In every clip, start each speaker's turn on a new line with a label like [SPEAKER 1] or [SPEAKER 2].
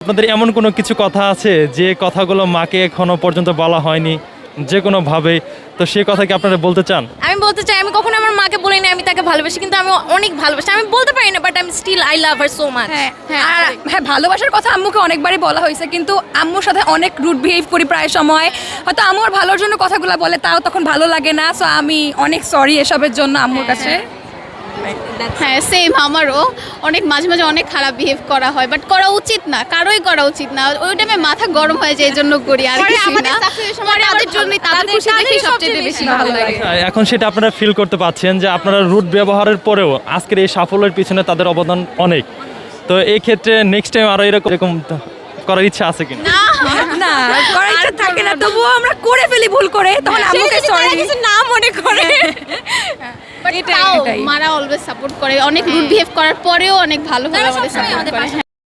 [SPEAKER 1] আপনাদের এমন কোনো কিছু কথা আছে যে কথাগুলো মাকে এখনো পর্যন্ত বলা হয়নি যে কোনোভাবে, তো সেই কথা কি আপনারা বলতে চান?
[SPEAKER 2] আমি বলতে চাই, আমি কখনো আমার মাকে বলি না আমি তাকে ভালোবাসি, কিন্তু আমি অনেক ভালোবাসি। আমি বলতে পারি না, বাট আমি still I love her so much.
[SPEAKER 3] হ্যাঁ, ভালোবাসার কথা আম্মুকে অনেকবারই বলা হয়েছে, কিন্তু আম্মুর সাথে অনেক রুড বিহেভ করি প্রায় সময়। হয়তো আম্মুর ভালোর জন্য কথাগুলো বলে, তাও তখন ভালো লাগে না। সো আমি অনেক সরি এসবের জন্য আম্মুর কাছে।
[SPEAKER 4] হ্যাঁ সেম, আমারও অনেক মাঝে মাঝে অনেক খারাপ বিহেভ করা হয়, বাট করা উচিত না, কারোই করা উচিত না। ওই টাইমে মাথা গরম হয়ে যায়, এই জন্য করি। আর আমাদের তাদের জন্যই, তাদের খুশি দেখি সবচেয়ে বেশি ভালো লাগে।
[SPEAKER 1] এখন সেটা আপনারা ফিল করতে পাচ্ছেন যে আপনারা রুট ব্যবহারের পরেও আজকের এই সাফল্যের পিছনে তাদের অবদান অনেক। তো এই ক্ষেত্রে নেক্সট টাইম আরো এরকম করার ইচ্ছা আছে কিনা?
[SPEAKER 3] না, করার ইচ্ছা থাকে না, তবুও আমরা করে ফেলি ভুল করে, তখন আম্মুকে সরি
[SPEAKER 2] না মনে করে।
[SPEAKER 4] বাট তাও মারা অলওয়েজ সাপোর্ট করে, অনেক রুড বিহেভ করার পরেও অনেক ভালোভাবে আমাদের সাপোর্ট করে।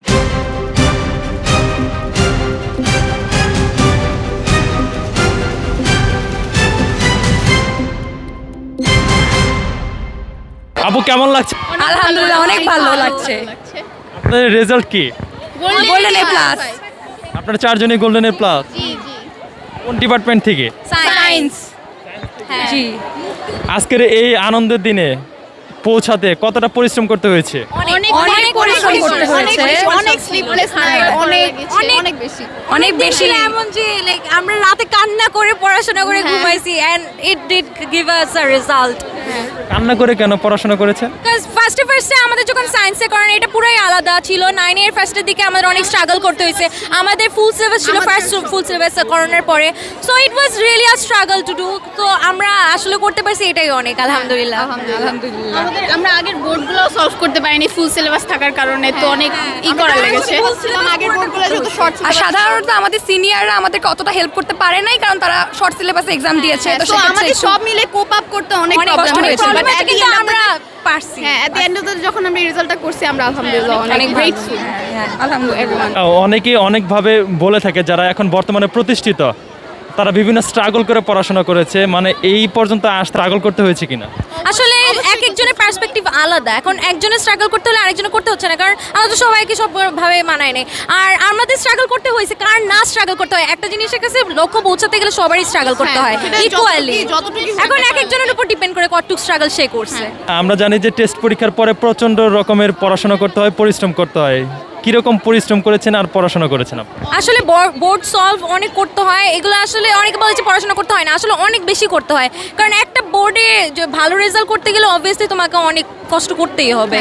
[SPEAKER 1] আপু কেমন লাগছে?
[SPEAKER 3] আলহামদুলিল্লাহ, অনেক ভালো লাগছে।
[SPEAKER 1] আপনাদের রেজাল্ট কি?
[SPEAKER 3] Golden A plus.
[SPEAKER 1] আপনারা চারজনই গোল্ডেন এ প্লাস।
[SPEAKER 4] জি জি।
[SPEAKER 1] কোন ডিপার্টমেন্ট থেকে?
[SPEAKER 3] সায়েন্স। জি।
[SPEAKER 1] আজকের এই আনন্দের দিনে পৌঁছাতে কতটা পরিশ্রম করতে হয়েছে?
[SPEAKER 3] অনেক পরিশ্রম করতে হয়েছে,
[SPEAKER 4] অনেক স্লিপলেস নাইট, অনেক বেশি।
[SPEAKER 3] অনেক বেশি।
[SPEAKER 2] এমন যে লাইক আমরা রাতে কান্না করে পড়াশোনা করে ঘুমাইছি, and it did give us a result.
[SPEAKER 1] কান্না করে কেন পড়াশোনা করেছেন?
[SPEAKER 2] বিকজ ফার্স্টে আমাদের যখন সায়েন্সে করেন, এটা পুরাই আলাদা ছিল। 9 এর ফার্স্টের দিকে আমাদের অনেক স্ট্রাগল করতে হয়েছে। আমাদের ফুল সিলেবাস ছিল ফার্স্ট ফুল সিলেবাস করোনার পরে, so it was really a struggle to do. তো আমরা আসলে করতে পারছি, এটাই অনেক আলহামদুলিল্লাহ।
[SPEAKER 3] আলহামদুলিল্লাহ।
[SPEAKER 4] আমরা আগের বোর্ডগুলো সলভ করতে পারিনি ফুল সিলেবাস থাকার কারণে, তো অনেক করা লেগেছে। আগের বোর্ডগুলো যত শর্ট,
[SPEAKER 3] আর সাধারণত আমাদের সিনিয়ররা আমাদেরকে অতটা হেল্প করতে পারে নাই, কারণ তারা শর্ট সিলেবাসে এক্সাম দিয়েছে। তো
[SPEAKER 4] আমাদের সব মিলে কোপ আপ করতে অনেক প্রবলেম হয়েছে, বাট
[SPEAKER 2] কিন্তু আমরা পারছি।
[SPEAKER 4] হ্যাঁ, at the end of the যখন আমরা রেজাল্টটা করছি, আমরা আলহামদুলিল্লাহ অনেক গ্রেটফুল।
[SPEAKER 3] আলহামদুলিল্লাহ।
[SPEAKER 1] অনেকেই অনেকভাবে বলে থাকে যারা এখন বর্তমানে প্রতিষ্ঠিত, তারা বিভিন্ন স্ট্রাগল করে পড়াশোনা করেছে, মানে এই পর্যন্ত স্ট্রাগল করতে হয়েছে কিনা?
[SPEAKER 2] আসলে এক একজনের পার্সপেক্টিভ আলাদা। এখন একজনের স্ট্রাগল করতে হলে আরেকজনের করতে হচ্ছে না, কারণ আমরা তো সবাইকে সবভাবে মানায় নেই। আর আমাদের স্ট্রাগল করতে হয়েছে, কার না স্ট্রাগল করতে হয়। একটা জিনিসের কাছে লক্ষ্য পৌঁছাতে গেলে সবারই স্ট্রাগল করতে হয় ইকুয়ালি। এখন এক একজনের উপর ডিপেন্ড করে কতটুকু স্ট্রাগল সে করছে।
[SPEAKER 1] আমরা জানি যে টেস্ট পরীক্ষার পরে প্রচণ্ড রকমের পড়াশোনা করতে হয়, পরিশ্রম করতে হয়। কিরকম পরিশ্রম করেছেন আর পড়াশোনা করেছেন আপনি?
[SPEAKER 2] আসলে বোর্ড সলভ অনেক করতে হয়। এগুলো আসলে অনেকে বলে যে পড়াশোনা করতে হয় না, আসলে অনেক বেশি করতে হয়। কারণ একটা বোর্ডে যে ভালো রেজাল্ট করতে গেলে অবভিয়াসলি তোমাকে অনেক কষ্ট করতেই হবে।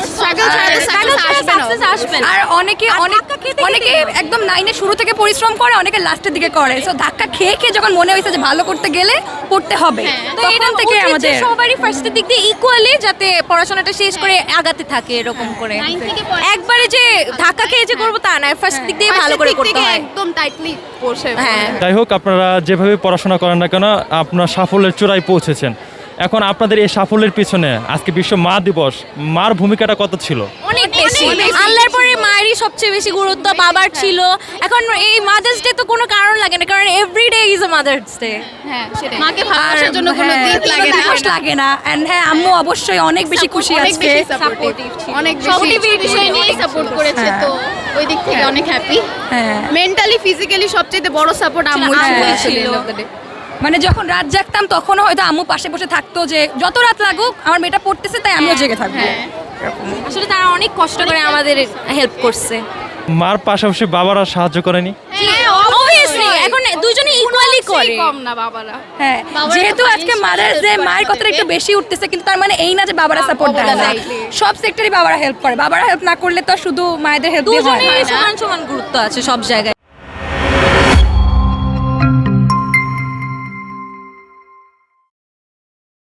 [SPEAKER 3] আর অনেকে একদম 9 এর শুরু থেকে পরিশ্রম করে, অনেকে লাস্টের দিকে করে। সো ধাক্কা খেয়ে খেয়ে যখন মনে হয়েছে যে ভালো করতে গেলে করতে হবে,
[SPEAKER 2] তো
[SPEAKER 3] তখন
[SPEAKER 2] এটা
[SPEAKER 3] থেকে আমাদের
[SPEAKER 2] সবারই ফার্স্টের দিক দিয়ে ইকুয়ালি যাতে পড়াশোনাটা শেষ করে আগাতে থাকে এরকম করে। একবারে যে ধাক্কা খেয়ে যে করবো তা না, ফার্স্ট দিক দিয়ে ভালো করে করতে হয়,
[SPEAKER 4] একদম টাইটলি বসে।
[SPEAKER 2] হ্যাঁ।
[SPEAKER 1] যাই হোক, আপনারা যেভাবে পড়াশোনা করেন না কেন, আপনার সাফল্যের চূড়ায় পৌঁছেছেন। এখন আপনাদের এই সাফল্যের পিছনে আজকে বিশ্ব মা দিবস, মার ভূমিকাটা কত ছিল?
[SPEAKER 2] অনেক বেশি। আল্লাহর পরে মায়েরই সবচেয়ে বেশি গুরুত্ব, বাবার ছিল। এখন এই মাদার্স ডে তো কোনো কারণ লাগে না, কারণ every day is a Mother's Day.
[SPEAKER 4] হ্যাঁ, সেটাই। মাকে ভালোবাসার জন্য কোনো দিক লাগে না।
[SPEAKER 3] এন্ড হ্যাঁ, আম্মু অবশ্যই অনেক বেশি খুশি আজকে,
[SPEAKER 4] অনেক বেশি বিষয় নিয়ে সাপোর্ট করেছে, তো ওই দিক থেকে অনেক হ্যাপি।
[SPEAKER 3] হ্যাঁ,
[SPEAKER 4] মেন্টালি ফিজিক্যালি সবচেয়ে বড় সাপোর্ট আম্মু ছিল।
[SPEAKER 3] মানে যখন রাত জাগতাম তখনও হয়তো আম্মু পাশে বসে থাকতো, যে যত রাত লাগুক আমার মেয়েটা পড়তেছে তাই আমিও জেগে থাকবো।
[SPEAKER 2] আসলে তারা অনেক কষ্ট করে আমাদের হেল্প করছে।
[SPEAKER 1] মার পাশাপাশি বাবারা সাহায্য করেনি?
[SPEAKER 2] অবভিয়াসলি এখন দুজনে ইকুয়ালি করে।
[SPEAKER 4] কম না বাবারা।
[SPEAKER 3] হ্যাঁ, যেহেতু আজকে মাদার্স ডে, মায়ের কথাটা একটু বেশি উঠতেছে, কিন্তু তার মানে এই না যে বাবারা সাপোর্ট দেয় না। সব সেক্টরে বাবারা হেল্প করে। বাবারা হেল্প না করলে তো শুধু মায়েদের হেল্প দিয়ে হয় না।
[SPEAKER 2] দুজনেই সমান সমান গুরুত্ব আছে সব জায়গায়।